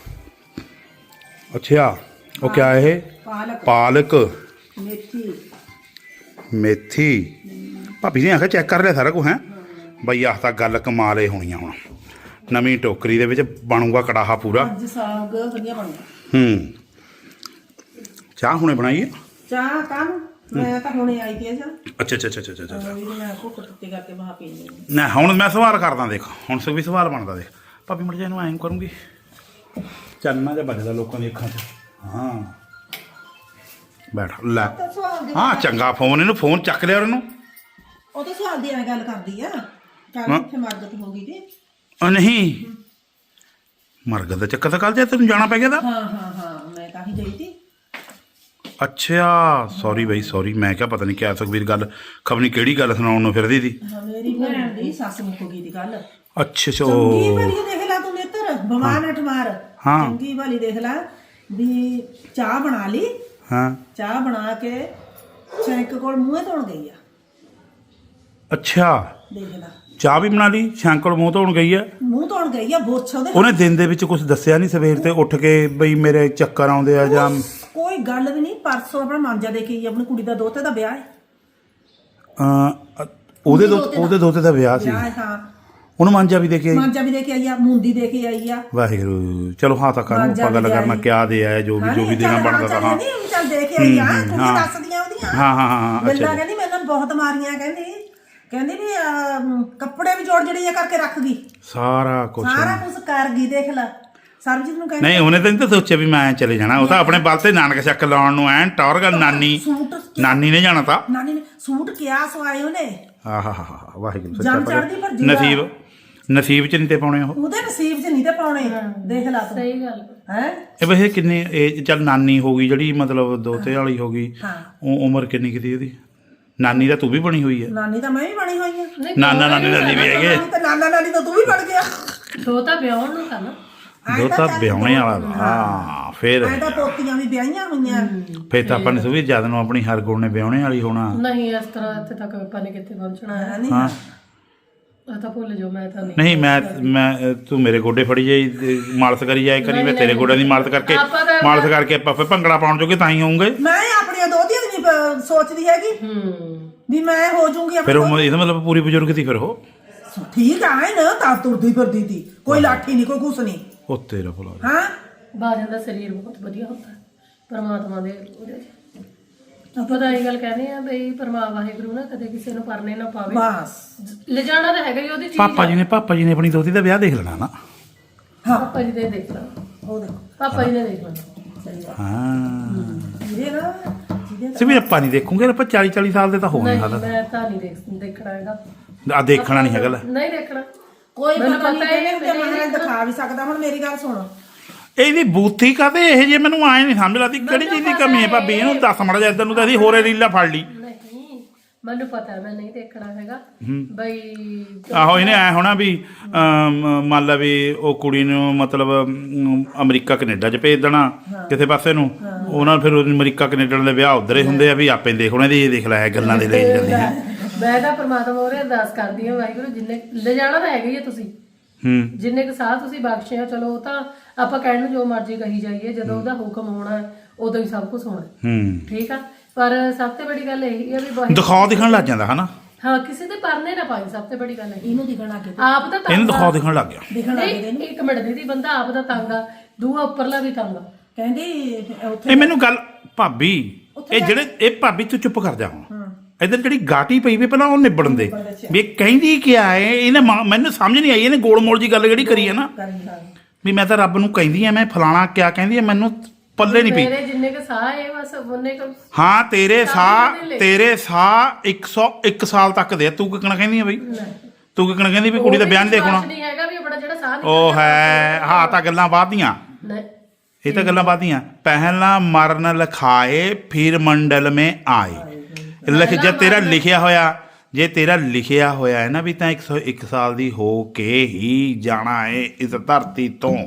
Speaker 1: ਅੱਛਾ ਉਹ ਕਿਆ ਇਹ
Speaker 4: ਪਾਲਕ
Speaker 1: ਪਾਲਕ
Speaker 4: ਮੇਥੀ
Speaker 1: ਮੇਥੀ ਭਾਬੀ ਨੇ ਆਖਿਆ ਚੈੱਕ ਕਰ ਲਿਆ ਸਾਰਾ ਕੁਝ ਹੈ ਬਈ ਆਹ ਤਾਂ ਗੱਲ ਕਮਾਲੇ ਹੋਣੀਆਂ ਹੁਣ ਨਵੀਂ ਟੋਕਰੀ ਦੇ ਵਿੱਚ ਬਣੂਗਾ ਕੜਾਹਾ ਪੂਰਾ
Speaker 4: ਅੱਜ ਸਾਗ ਵਧੀਆ ਬਣਦਾ।
Speaker 1: ਹੂੰ ਚਾਹ ਹੁਣੇ ਬਣਾਈਏ
Speaker 4: ਚਾਹ ਕੰਮ ਮੈਂ ਤਾਂ ਹੁਣੇ ਆਈ ਤੀ ਜਾ
Speaker 1: ਅੱਛਾ ਅੱਛਾ ਅੱਛਾ ਅੱਛਾ ਅੱਛਾ
Speaker 4: ਵੀ ਮੈਂ ਘੁੱਟ ਟੁੱਟੀ ਕਰਕੇ ਬਾਹ ਪੀਣੀ।
Speaker 1: ਨਾ ਹੁਣ ਮੈਂ ਸਵਾਲ ਕਰਦਾ ਦੇਖ ਹੁਣ ਸੇ ਵੀ ਸਵਾਲ ਬਣਦਾ ਦੇਖ ਭਾਬੀ ਮੜ ਜਾ ਇਹਨੂੰ ਐਂ ਕਰੂੰਗੀ ਚੰਨਾ ਜਿਹਾ ਵੱਜਦਾ ਲੋਕਾਂ ਦੀ ਅੱਖਾਂ 'ਚ ਹਾਂ ਬੈਠ ਲੈ ਹਾਂ ਚੰਗਾ ਫੋਨ ਇਹਨੂੰ ਫੋਨ ਚੱਕ ਲਿਆ ਉਹਨੂੰ
Speaker 4: ਉਹ ਤਾਂ ਸਵਾਲ ਦੀ ਐਵੇਂ ਗੱਲ ਕਰਦੀ ਆ ਕੱਲ
Speaker 1: ਹਾਂ।
Speaker 4: ਇੱਥੇ ਮਰਗਤ ਹੋ ਗਈ ਤੇ
Speaker 1: ਉਹ ਨਹੀਂ ਮਰਗਤ ਦਾ ਚੱਕਰ ਤਾਂ ਕੱਲ ਜੇ ਤੈਨੂੰ ਜਾਣਾ ਪੈ ਗਿਆ ਤਾਂ
Speaker 4: ਹਾਂ ਹਾਂ ਹਾਂ ਮੈਂ ਤਾਂ ਹੀ ਗਈ ਤੀ।
Speaker 1: ਅੱਛਾ ਸੌਰੀ ਬਈ ਸੌਰੀ ਮੈਂ ਕਿਹਾ ਪਤਾ ਨਹੀਂ ਕਿਆ ਸੁਖਬੀਰ ਗੱਲ ਖਬਰ ਨਹੀਂ ਕਿਹੜੀ ਗੱਲ ਸੁਣਾਉਣ ਨੂੰ ਫਿਰਦੀ ਸੀ
Speaker 4: ਹਾਂ ਮੇਰੀ ਭੈਣ ਦੀ ਸੱਸ ਮੁੱਕ ਗਈ ਦੀ ਗੱਲ।
Speaker 1: ਅੱਛਾ ਅੱਛਾ
Speaker 4: ਚੰਗੀ
Speaker 1: ਉਹ
Speaker 4: ਭਲੀ ਦੇਖ ਲੈ ਤੂੰ ਨੇਤਰ ਬਿਮਾਰ ਨਟ ਮਾਰ
Speaker 1: ਹਾਂ।
Speaker 4: ਚੰਗੀ ਭਲੀ ਦੇਖ ਲੈ ਵੀ ਚਾਹ ਬਣਾ ਲਈ
Speaker 1: ਹਾਂ
Speaker 4: ਚਾਹ ਬਣਾ ਕੇ ਸ਼ੈਂਕ ਕੋਲ ਮੂੰਹੇ ਧੋਣ ਗਈ ਆ
Speaker 1: ਅੱਛਾ
Speaker 4: ਦੇਖ ਲੈ
Speaker 1: ਚਾਹ ਵੀ ਬਣਾ ਲਈ ਸ਼ੰਕਲ ਮੂੰਹ ਧੋਣ ਗਈ ਹੈ
Speaker 4: ਮੂੰਹ ਧੋਣ ਗਈ ਆ ਬੋਛ ਉਹਦੇ
Speaker 1: ਉਹਨੇ ਦਿਨ ਦੇ ਵਿੱਚ ਕੁਝ ਦੱਸਿਆ ਨਹੀਂ ਸਵੇਰ ਤੇ ਉੱਠ ਕੇ ਬਈ ਮੇਰੇ ਚੱਕਰ ਆਉਂਦੇ ਆ ਜਾਂ
Speaker 4: ਕੋਈ ਗੱਲ ਵੀ ਨਹੀਂ ਪਰਸੋਂ ਆਪਣਾ ਮਾਂਜਾ ਦੇ ਕੇ ਆਈ ਆਪਣੀ ਕੁੜੀ ਦਾ ਦੋਤੇ ਦਾ ਵਿਆਹ ਹੈ
Speaker 1: ਅਹ, ਉਹਦੇ ਦੋ ਉਹਦੇ ਦੋਤੇ ਦਾ ਵਿਆਹ ਸੀ
Speaker 4: ਵਿਆਹ ਹੈ ਹਾਂ
Speaker 1: ਉਹਨੂੰ ਮਾਂਜਾ ਵੀ ਦੇ ਕੇ ਆਈ
Speaker 4: ਮਾਂਜਾ ਵੀ ਦੇ ਕੇ ਆਈ ਆ ਮੁੰਦੀ ਦੇ ਕੇ ਆਈ ਆ
Speaker 1: ਵਾਹਿਗੁਰੂ ਚਲੋ ਹਾਂ ਤਾਂ ਕਰੋ ਆਪਾਂ ਗੱਲ ਕਰਨਾ ਕਿਆ ਦੇ ਆਇਆ ਜੋ ਵੀ ਜੋ ਵੀ ਦੇਣਾ ਬਣਦਾ ਤਾਂ ਹਾਂ
Speaker 4: ਨਹੀਂ ਚੱਲ ਦੇ ਕੇ ਆਈ ਆ ਕੁੜੀ ਦੱਸਦੀਆਂ ਉਹਦੀਆਂ
Speaker 1: ਹਾਂ ਹਾਂ ਹਾਂ
Speaker 4: ਗੱਲਾਂ
Speaker 1: ਅੱਛਾ
Speaker 4: ਕਹਿੰਦੀ ਮੈਨੂੰ ਬਹੁਤ ਮਾਰੀਆਂ ਕਹਿੰਦੀ ਕਹਿੰਦੀ ਵੀ ਅਮ, ਕੱਪੜੇ ਵੀ ਜੋੜ ਜੜੀਆਂ ਕਰਕੇ ਰੱਖ ਗਈ
Speaker 1: ਸਾਰਾ ਕੁਝ
Speaker 4: ਸਾਰਾ ਕੁਝ ਕਰ ਗਈ ਦੇਖ ਲੈ ਸਰਬਜੀਤ ਨੂੰ ਕਹਿੰਦੀ
Speaker 1: ਨਹੀਂ ਉਹਨੇ ਤਾਂ ਨਹੀਂ ਤਾਂ ਸੋਚਿਆ ਵੀ ਮੈਂ ਚਲੇ ਜਾਣਾ ਉਹ ਤਾਂ ਆਪਣੇ ਬਲ ਤੇ ਨਾਨਕ ਚੱਕ ਲਾਉਣ ਨੂੰ ਐਨ ਟੌਰ ਗੱਲ ਨਾਨੀ
Speaker 4: ਸੂਟ
Speaker 1: ਨਾਨੀ ਨੇ ਜਾਣਾ ਤਾਂ
Speaker 4: ਨਾਨੀ ਨੇ ਸੂਟ ਕਿਆ ਸਵਾਏ ਉਹਨੇ
Speaker 1: ਆਹ ਹਾ ਹਾ ਵਾਹਿਗੁਰੂ
Speaker 4: ਜੰਮ
Speaker 1: ਸੱਚਾ
Speaker 4: ਚੜ੍ਹਦੀ ਪਰ
Speaker 1: ਪਾਤਸ਼ਾਹ।
Speaker 4: ਜੂੜਾ।
Speaker 1: ਨਸੀਬ ਨਸੀਬ ਚ ਨਹੀਂ ਤੇ ਪਾਉਣੇ ਉਹ
Speaker 4: ਉਹਦੇ ਨਸੀਬ 'ਚ ਨਹੀਂ ਤੇ ਪਾਉਣੇ ਦੇਖ ਲੈ ਤੂੰ
Speaker 2: ਸਹੀ ਗੱਲ
Speaker 4: ਹੈ
Speaker 1: ਇਹ ਵੈਸੇ ਕਿੰਨੇ ਇਹ ਚੱਲ ਨਾਨੀ ਹੋ ਗਈ ਜਿਹੜੀ ਮਤਲਬ ਦੋਤੇ ਵਾਲੀ ਹੋ ਗਈ
Speaker 4: ਹਾਂ
Speaker 1: ਉਹ ਉਮਰ ਕਿੰਨੀ ਕੀਤੀ ਉਹਦੀ ਨਾਨੀ ਦਾ ਤੂੰ ਵੀ ਬਣੀ ਹੋਈ ਹੈ
Speaker 4: ਨਾਨੀ ਤਾਂ ਮੈਂ ਵੀ ਬਣੀ ਹੋਈ ਆ
Speaker 2: ਨਹੀਂ
Speaker 1: ਨਾਨਾ ਨਾਨੀ ਨਾਨੀ ਵੀ ਹੈਗੇ
Speaker 4: ਨਾਨੀ ਤਾਂ ਨਾਨਾ ਨਾਨੀ ਤਾਂ ਤੂੰ ਵੀ ਬਣ ਗਿਆ
Speaker 2: ਦੋ ਤਾਂ ਵਿਆਹਣ ਨੂੰ ਤਾਂ ਨਾ
Speaker 1: ਦੋ ਤਾਂ ਵਿਆਹਣੇ ਵਾਲਾ ਵਾ। ਹਾਂ ਫਿਰ
Speaker 4: ਐਂ ਤਾਂ ਪੋਤੀਆਂ ਵੀ ਵਿਆਹੀਆਂ ਹੋਈਆਂ
Speaker 1: ਫਿਰ ਤਾਂ ਆਪਾਂ ਨੇ ਸੁਵੀ ਜਦ ਨੂੰ ਆਪਣੀ ਹਰ ਗੁਣ ਨੇ ਵਿਆਹਣੇ ਵਾਲੀ ਹੋਣਾ
Speaker 2: ਨਹੀਂ ਇਸ ਤਰ੍ਹਾਂ ਇੱਥੇ ਤੱਕ ਆਪਾਂ ਨੇ ਕਿੱਥੇ ਪਹੁੰਚਣਾ ਹੈ
Speaker 4: ਨਹੀਂ
Speaker 1: ਹਾਂ
Speaker 2: ਆ ਤਾਂ ਭੁੱਲ ਜਾਓ ਮੈਂ ਤਾਂ ਨਹੀਂ
Speaker 1: ਨਹੀਂ ਮੈਂ ਮੈਂ ਤੂੰ ਮੇਰੇ ਗੋਡੇ ਫੜੀ ਜਾਈ ਤੇ ਮਾਲਸ਼ ਕਰੀ ਜਾਏ ਕਰੀ ਮੈਂ ਤੇਰੇ ਗੋਡਿਆਂ ਦੀ ਮਾਲਸ਼ ਕਰਕੇ
Speaker 2: ਆਪਾਂ ਤਾਂ-
Speaker 1: ਮਾਲਸ਼ ਕਰਕੇ ਆਪਾਂ ਫਿਰ ਭੰਗੜਾ ਪਾਉਣ ਜੋਗੇ ਤਾਂ ਹੀ ਹੋਊਗੇ
Speaker 4: ਮੈਂ ਆਪਣੀਆਂ ਦੋਤੀਆਂ ਦੀ ਨਹੀਂ ਪ- ਸੋਚਦੀ ਹੈਗੀ
Speaker 2: ਹੂੰ
Speaker 4: ਵੀ ਮੈਂ ਹੋ ਜਾਊਂਗੀ
Speaker 1: ਫਿਰ
Speaker 4: ਆਪਣੀ
Speaker 1: ਉਹ ਇਹਦਾ ਮਤਲਬ ਪੂਰੀ ਬਜ਼ੁਰਗ ਸੀ ਫਿਰ ਉਹ
Speaker 4: ਠੀਕ ਆ ਨਾ ਤਾਂ ਤੁਰਦੀ ਫਿਰਦੀ ਤੀ ਕੋਈ ਲਾਠੀ ਨਹੀਂ ਕੋਈ ਕੁਛ ਨਹੀਂ
Speaker 1: ਉਹ ਤੇਰਾ ਭਲਾ
Speaker 4: ਹਾਂ
Speaker 2: ਬਾਜਨ ਦਾ ਸਰੀਰ ਬਹੁਤ ਵਧੀਆ ਹੁੰਦਾ ਹੈ ਪਰਮਾਤਮਾ ਦੇ ਉਹਦੇ ਚ ਆਪਾਂ ਤਾਂ ਇਹ ਗੱਲ ਕਹਿੰਦੇ ਆ ਬਈ ਪਰਮਾ ਵਾਹਿਗੁਰੂ ਨਾ ਕਦੇ ਕਿਸੇ ਨੂੰ ਪਰਨੇ ਨਾ ਪਾਵੇ
Speaker 4: ਬਸ
Speaker 2: ਲਿਜਾਣਾ ਤਾਂ ਹੈਗਾ ਹੀ ਉਹਦੀ ਚੀਜ਼
Speaker 1: ਪਾਪਾ ਜੀ ਨੇ ਪਾਪਾ ਜੀ ਨੇ ਆਪਣੀ ਦੋਤੀ ਦਾ ਵਿਆਹ ਦੇਖ ਲੈਣਾ ਨਾ
Speaker 2: ਪਾਪਾ ਜੀ ਦੇ ਦੇਖ ਲਾ
Speaker 4: ਉਹ ਦੇਖੋ
Speaker 2: ਪਾਪਾ ਜੀ ਨੇ ਦੇਖ ਲੈਣਾ
Speaker 1: ਹਾਂ
Speaker 4: ਜਿਹਦੇ ਨਾ ਜਿਹਦੇ
Speaker 1: ਸਿਰ ਵੀ ਆਪਾਂ ਨਹੀਂ ਦੇਖੂਗੇ ਆਪਾਂ ਚਾਲੀ ਚਾਲੀ ਸਾਲ ਦੇ ਤਾਂ ਹੋ ਗਏ
Speaker 2: ਨਹੀਂ
Speaker 1: ਹਾਲ
Speaker 2: ਮੈਂ ਤਾਂ ਨਹੀਂ ਦੇਖ ਦੇਖਣਾ ਹੈਗਾ
Speaker 1: ਆ ਦੇਖਣਾ ਨਹੀਂ ਹੈਗਾ ਲੈ
Speaker 2: ਨਹੀਂ ਦੇਖਣਾ
Speaker 4: ਕੋਈ
Speaker 2: ਮੈਨੂੰ
Speaker 4: ਪਤਾ
Speaker 2: ਪਤਾ
Speaker 4: ਨਹੀਂ
Speaker 2: ਹੈ
Speaker 4: ਕਿ ਮਹਾਰਾਜ ਦਿਖਾ ਵੀ ਸਕਦਾ ਹੁਣ ਮੇਰੀ ਗੱਲ ਸੁਣ
Speaker 1: ਇਹਦੀ ਬੂਥੀ ਕਾਤੇ ਇਹ ਜੇ ਮੈਨੂੰ ਆਏ ਨਹੀਂ ਸਮਝ ਲੱਗਦੀ ਕਿਹੜੀ ਚੀਜ਼ ਦੀ ਕਮੀ ਹੈ ਭਾਬੀ ਇਹਨੂੰ ਦੱਸ ਮੜਾ ਜਾ ਇੱਧਰ ਨੂੰ ਤਾਂ ਅਸੀਂ ਹੋਰੇ ਰੀਲਾ ਫੜ ਲਈ
Speaker 2: ਨਹੀਂ ਮੈਨੂੰ ਪਤਾ ਹੈ, ਮੈਂ ਨਹੀਂ ਦੇਖਣਾ ਹੈਗਾ ਬਈ
Speaker 1: ਆਹੋ ਇਹਨੇ ਐ ਹੋਣਾ ਵੀ ਅਮ, ਮੰਨ ਲਾ ਵੀ ਉਹ ਕੁੜੀ ਨੂੰ ਮਤਲਬ ਅਮ, ਅਮਰੀਕਾ ਕੈਨੇਡਾ ਚ ਭੇਜ ਦੇਣਾ ਕਿਸੇ ਪਾਸੇ ਨੂੰ ਉਹਨਾਂ ਫਿਰ ਉਹ ਅਮਰੀਕਾ ਕੈਨੇਡਾ ਦੇ ਵਿਆਹ ਉਧਰ ਹੀ ਹੁੰਦੇ ਆ ਵੀ ਆਪੇ ਦੇਖ ਉਹਨਾਂ ਦੀ ਇਹ ਦੇਖ ਲੈ ਗੱਲਾਂ ਦੇ ਲੈ ਜਾਂਦੀਆਂ
Speaker 2: ਮੈਂ ਤਾਂ ਪਰਮਾਤਮਾ ਉਹਰੇ ਅਰਦਾਸ ਕਰਦੀ ਹਾਂ ਵਾਹਿਗੁਰੂ ਜਿੰਨੇ ਲਿਜਾਣਾ ਤਾਂ ਹੈਗਾ ਹੀ ਹੈ ਤੁਸੀਂ
Speaker 1: ਹੂੰ
Speaker 2: ਜਿੰਨੇ ਕੁ ਸਾਹ ਤੁਸੀਂ ਬਖਸ਼ੇ ਆ ਚਲੋ ਉਹ ਤਾਂ ਆਪਾਂ ਕਹਿਣ ਨੂੰ ਜੋ ਮਰਜ਼ੀ ਕਹੀ ਜਾਈਏ ਜਦੋਂ ਉਹਦਾ ਹੁਕਮ ਹੋਣਾ ਹੈ, ਉਦੋਂ ਹੀ ਸਭ ਕੁਝ ਹੋਣਾ ਹੈ।
Speaker 1: ਹੂੰ
Speaker 2: ਠੀਕ ਆ ਪਰ ਸਭ ਤੋਂ ਵੱਡੀ ਗੱਲ ਇਹ ਹੈ ਵੀ ਵਾਹਿਗੁਰੂ
Speaker 1: ਦਿਖਾਓ ਦਿਖਣ ਲੱਗ ਜਾਂਦਾ ਹਨਾ
Speaker 2: ਹਾਂ ਕਿਸੇ ਦੇ ਪਰਨੇ ਨਾ ਪਾਈ ਸਭ ਤੋਂ ਵੱਡੀ ਗੱਲ ਹੈ
Speaker 4: ਇਹਨੂੰ ਦਿਖਣ ਲੱਗੇ
Speaker 2: ਆਪ ਤਾਂ
Speaker 1: ਇਹਨੂੰ
Speaker 2: ਤੰਗ ਆ।
Speaker 1: ਦਿਖਾਓ ਦਿਖਣ ਲੱਗ ਗਿਆ
Speaker 4: ਦਿਖਣ ਲੱਗੇ
Speaker 2: ਨਹੀਂ ਇੱਕ ਮਿੰਟ ਦੀਦੀ ਬੰਦਾ ਆਪ ਦਾ ਤੰਗ ਆ ਦੂਆ ਉੱਪਰਲਾ ਵੀ ਤੰਗ ਆ
Speaker 4: ਕਹਿੰਦੀ ਉੱਥੇ
Speaker 1: ਇਹ ਮੈਨੂੰ ਗੱਲ ਭਾਬੀ ਇਹ ਜਿਹੜੇ ਇਹ ਭਾਬੀ ਤੂੰ ਚੁੱਪ ਕਰ ਜਾ ਹੁਣ ਇਧਰ ਜਿਹੜੀ ਗਾਟੀ ਪਈ ਵੀ ਪਹਿਲਾਂ ਉਹ ਨਿਬੜਨ ਦੇ ਵੀ ਇਹ ਕਹਿੰਦੀ ਕਿਆ ਹੈ ਇਹਨੇ ਮਾਂ- ਮੈਨੂੰ ਸਮਝ ਨਹੀਂ ਆਈ ਇਹਨੇ ਗੋਲ ਮੋਲ ਜੀ ਗੱਲ ਜਿਹੜੀ ਕਰੀ ਹੈ ਨਾ
Speaker 4: ਕਰੀ ਹਾਂ
Speaker 1: ਵੀ ਮੈਂ ਤਾਂ ਰੱਬ ਨੂੰ ਕਹਿੰਦੀ ਆ ਮੈਂ ਫਲਾਣਾ ਕਿਆ ਕਹਿੰਦੀ ਆ ਮੈਨੂੰ ਪੱਲੇ ਨਹੀਂ ਪਈ
Speaker 2: ਮੇਰੇ ਜਿੰਨੇ ਕ ਸਾਹ ਹੈ ਬਸ ਉਹਨੇ ਕ
Speaker 1: ਹਾਂ ਤੇਰੇ ਸਾਹ
Speaker 2: ਦਿਨ ਲੈ।
Speaker 1: ਤੇਰੇ ਸਾਹ ਇੱਕ ਸੌ ਇੱਕ ਸਾਲ ਤੱਕ ਦੇ ਆ। ਤੂੰ ਕਿਕਣਾ ਕਹਿੰਦੀ ਆ ਬਈ ਤੂੰ ਕਿਕਣਾ ਕਹਿੰਦੀ ਵੀ ਕੁੜੀ ਦਾ ਬਿਆਨ ਦੇਖਣਾ
Speaker 2: ਨਹੀਂ ਹੈਗਾ ਵੀ ਆਪਣਾ ਜਿਹੜਾ ਸਾਹ
Speaker 1: ਉਹ ਹੈ ਹਾਂ ਤਾਂ ਗੱਲਾਂ ਬਾਦੀਆਂ
Speaker 2: ਨਹੀਂ
Speaker 1: ਇਹ ਤਾਂ ਗੱਲਾਂ ਬਾਦੀਆਂ ਪਹਿਲਾਂ ਮਰਨ ਲਿਖਾਏ ਫਿਰ ਮੰਡਲ ਮੇ ਆਏ ਲਿਖ ਜੇ ਤੇਰਾ ਲਿਖਿਆ ਹੋਇਆ ਜੇ ਤੇਰਾ ਲਿਖਿਆ ਹੋਇਆ ਹੈ ਨਾ ਵੀ ਤਾਂ ਇੱਕ ਸੌ ਇੱਕ ਸਾਲ ਦੀ ਹੋ ਕੇ ਹੀ ਜਾਣਾ ਹੈ ਇਸ ਧਰਤੀ ਤੋਂ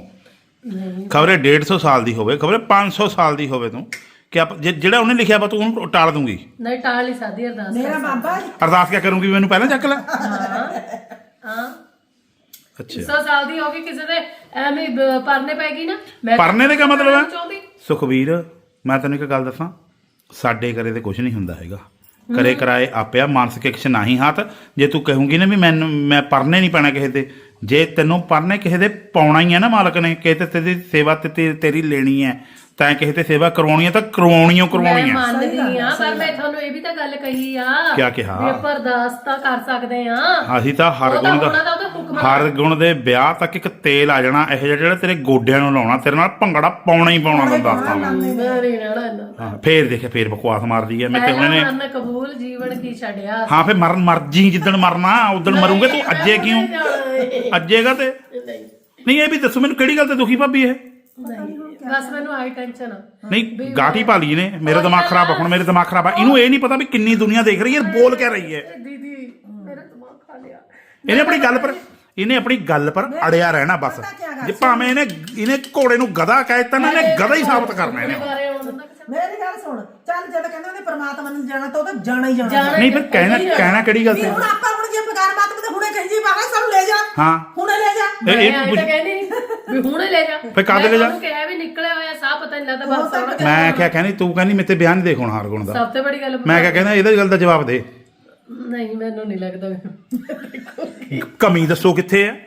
Speaker 1: ਖਬਰੇ ਡੇਢ ਸੌ ਸਾਲ ਦੀ ਹੋਵੇ ਖਬਰੇ ਪੰਜ ਸੌ ਸਾਲ ਦੀ ਹੋਵੇ ਤੂੰ ਕਿ ਆਪ ਜੇ- ਜਿਹੜਾ ਉਹਨੇ ਲਿਖਿਆ ਵਾ ਤੂੰ ਉਹਨੂੰ ਟਾਲ ਦੂੰਗੀ
Speaker 2: ਨਹੀਂ ਟਾਲ ਹੀ ਸਾਦੀ ਅਰਦਾਸ
Speaker 4: ਮੇਰਾ ਬਾਬਾ
Speaker 1: ਅਰਦਾਸ ਕਿਆ ਕਰੂੰਗੀ ਮੈਨੂੰ ਪਹਿਲਾਂ ਚੱਕ ਲੈ
Speaker 2: ਹਾਂ ਹਾਂ
Speaker 1: ਅੱਛਾ
Speaker 2: ਸੌ ਸਾਲ ਦੀ ਹੋ ਗਈ ਕਿਸੇ ਦੇ ਐਵੇਂ ਹੀ ਬ- ਪਰਨੇ ਪੈ ਗਈ ਨਾ ਮੈਂ ਤਾਂ
Speaker 1: ਪਰਨੇ ਦਾ ਕਿਆ ਮਤਲਬ ਹੈ?
Speaker 2: ਚਾਹੁੰਦੀ।
Speaker 1: ਸੁਖਬੀਰ ਮੈਂ ਤੈਨੂੰ ਇੱਕ ਗੱਲ ਦੱਸਾਂ ਸਾਡੇ ਘਰੇ ਤੇ ਕੁਝ ਨਹੀਂ ਹੁੰਦਾ ਹੈਗਾ ਕਰੇ ਕਰਾਏ ਆਪਿਆ ਮਾਨਸਿਕ ਇਕਸ਼ ਨਹੀਂ ਹੱਥ। ਜੇ ਤੂੰ ਕਹੂੰਗੀ ਨਾ ਵੀ ਮੈਨੂੰ ਮੈਂ ਪਰਨੇ ਨਹੀਂ ਪੈਣਾ ਕਿਸੇ ਦੇ, ਜੇ ਤੈਨੂੰ ਪਰਨੇ ਕਿਸੇ ਦੇ ਪਾਉਣਾ ਹੀ ਹੈ ਨਾ ਮਾਲਕ ਨੇ, ਕਿਸੇ ਤੇ ਤੇਰੀ ਸੇਵਾ ਤੇ ਤੇ- ਤੇਰੀ ਲੈਣੀ ਹੈ, ਤੈਂ ਕਿਸੇ ਤੇ ਸੇਵਾ ਕਰਵਾਉਣੀ ਹੈ ਤਾਂ ਕਰਵਾਉਣੀ ਓ ਕਰਵਾਉਣੀ
Speaker 2: ਮੈਂ
Speaker 1: ਹੈ।
Speaker 2: ਮੰਨਦੀ ਆ, ਪਰ ਮੈਂ ਤੁਹਾਨੂੰ ਇਹ ਵੀ ਤਾਂ ਗੱਲ ਕਹੀ ਆ
Speaker 1: ਕਿਆ ਕਿਹਾ?
Speaker 2: ਵੀ ਆਪਾਂ ਅਰਦਾਸ ਤਾਂ ਕਰ ਸਕਦੇ ਆ।
Speaker 1: ਅਸੀਂ ਤਾਂ ਹਰ
Speaker 2: ਉਹ ਤਾਂ
Speaker 1: ਗੁਣ
Speaker 2: ਉਹਨਾਂ ਦਾ
Speaker 1: ਦਾ
Speaker 2: ਉਹਦਾ ਹੁਕਮ ਆ।
Speaker 1: ਹਰ ਗੁਣ ਦੇ ਵਿਆਹ ਤੱਕ ਇੱਕ ਤੇਲ ਆ ਜਾਣਾ ਇਹੋ ਜਿਹਾ ਜਿਹੜਾ ਤੇਰੇ ਗੋਡਿਆਂ ਨੂੰ ਲਾਉਣਾ, ਤੇਰੇ ਨਾਲ ਭੰਗੜਾ ਪਾਉਣਾ ਹੀ ਪਾਉਣਾ, ਮੈਂ ਦੱਸਦਾ ਮੈਂ।
Speaker 2: ਮੈਂ ਨਹੀਂ ਰਹਿਣਾ ਇੰਨਾ।
Speaker 1: ਹਾਂ ਫੇਰ ਦੇਖੇ ਫੇਰ ਬਕਵਾਸ ਮਾਰਦੀ ਹੈ ਮੈਂ ਤੇ ਹੁਣ
Speaker 2: ਪਹਿਲਾਂ
Speaker 1: ਇਹਨੇ।
Speaker 2: ਮਰਨ ਕਬੂਲ, ਜੀਵਨ ਕੀ ਛੱਡਿਆ।
Speaker 1: ਹਾਂ ਫੇਰ ਮਰਨ ਮਰਜੀ ਜਿੱਦਣ ਮਰਨਾ ਉਦਣ ਮਰੂਗੇ। ਤੂੰ ਅੱਜੇ ਕਿਉਂ ਅੱਜੇਗਾ ਤੇ
Speaker 2: ਨਹੀਂ
Speaker 1: ਨਹੀਂ? ਇਹ ਵੀ ਦੱਸੋ ਮੈਨੂੰ ਕਿਹੜੀ ਗੱਲ ਤੇ ਦੁਖੀ ਭਾਬੀ ਇਹ?
Speaker 2: ਨਹੀਂ ਬਸ ਮੈਨੂੰ ਆਈ ਟੈਨਸ਼ਨ ਆ।
Speaker 1: ਨਹੀਂ ਗਾਟੀ ਪਾ ਲਈ ਨੇ, ਮੇਰਾ ਦਿਮਾਗ ਖਰਾਬ ਆ ਹੁਣ, ਮੇਰੇ ਦਿਮਾਗ ਖਰਾਬ ਆ। ਇਹਨੂੰ ਇਹ ਨਹੀਂ ਪਤਾ ਵੀ ਕਿੰਨੀ ਦੁਨੀਆ ਦੇਖ ਰਹੀ ਹੈ, ਬੋਲ ਕਹਿ ਰਹੀ ਹੈ।
Speaker 2: ਦੀਦੀ ਮੇਰਾ ਦਿਮਾਗ ਖਾ ਲਿਆ।
Speaker 1: ਇਹਨੇ ਆਪਣੀ ਗੱਲ ਪਰ ਇਹਨੇ ਆਪਣੀ ਗੱਲ ਪਰ ਅੜਿਆ ਰਹਿਣਾ ਬਸ। ਜੇ ਭਾਵੇਂ ਇਹਨੇ ਇਹਨੇ ਘੋੜੇ ਨੂੰ ਗਧਾ ਕਹਿ ਦਿੱਤਾ ਨਾ, ਇਹਨੇ ਗਧਾ ਹੀ ਸਾਬਤ ਕਰਨਾ ਇਹਨੇ।
Speaker 2: ਬਾਰੇ ਆਉਣ ਦਿੰਦਾ ਕਿਸੇ ਨੂੰ।
Speaker 5: ਮੇਰੀ ਗੱਲ ਸੁਣ, ਚੱਲ ਜਦੋਂ ਕਹਿੰਦੇ ਉਹਨੇ ਪਰਮਾਤਮਾ ਨੂੰ ਜਾਣਾ ਤਾਂ ਉਹ ਤਾਂ ਜਾਣਾ ਹੀ ਜਾਣਾ।
Speaker 1: ਨਹੀਂ ਫਿਰ ਕਹਿਣਾ ਕਹਿਣਾ ਕਿਹੜੀ ਗੱਲ
Speaker 5: ਵੀ
Speaker 1: ਤੇ?
Speaker 5: ਹੁਣ ਆਪਾਂ ਹੁਣ ਜੇ ਬਗਾਰ ਮਾਤਮ ਤੇ ਹੁਣੇ ਕਹੀ ਜੀ ਬਾਬਾ ਸਾਨੂੰ ਲੈ ਜਾ,
Speaker 1: ਹਾਂ
Speaker 5: ਹੁਣੇ ਲੈ ਜਾ।
Speaker 1: ਇਹ
Speaker 2: ਮੈਂ
Speaker 1: ਇਹ
Speaker 2: ਆਈ
Speaker 1: ਪੁੱਛ-
Speaker 2: ਤਾਂ ਕਹਿੰਦੀ ਨੀ ਵੀ ਹੁਣੇ ਲੈ ਜਾ।
Speaker 1: ਫਿਰ ਕਦ ਲੈ ਜਾ?
Speaker 2: ਮੈਂ ਕਿਹਾ ਵੀ ਨਿਕਲਿਆ ਹੋਇਆ ਸਾਹ ਪਤਾ ਨਹੀਂ ਲੱਗਦਾ ਬਸ ਆਉਣਾ।
Speaker 1: ਮੈਂ ਕਿਹਾ ਕਹਿੰਦੀ ਤੂੰ ਕਹਿੰਦੀ ਮੇਰੇ ਤੇ ਬਿਆਨ ਨਹੀਂ ਦੇਖ ਹੁਣ ਹਾਰ ਗੁਣ ਦਾ।
Speaker 2: ਸਭ ਤੋਂ ਬੜੀ ਗੱਲ
Speaker 1: ਮੈਂ ਕਿਹਾ ਕਹਿੰਦਾ ਇਹਦਾ ਗੱਲ ਦਾ ਜਵਾਬ ਦੇ।
Speaker 2: ਨਹੀਂ ਮੈਨੂੰ ਨਹੀਂ ਲੱਗਦਾ ਵੀ-
Speaker 1: ਕਮੀ ਦੱਸੋ ਕਿੱਥੇ ਹੈ?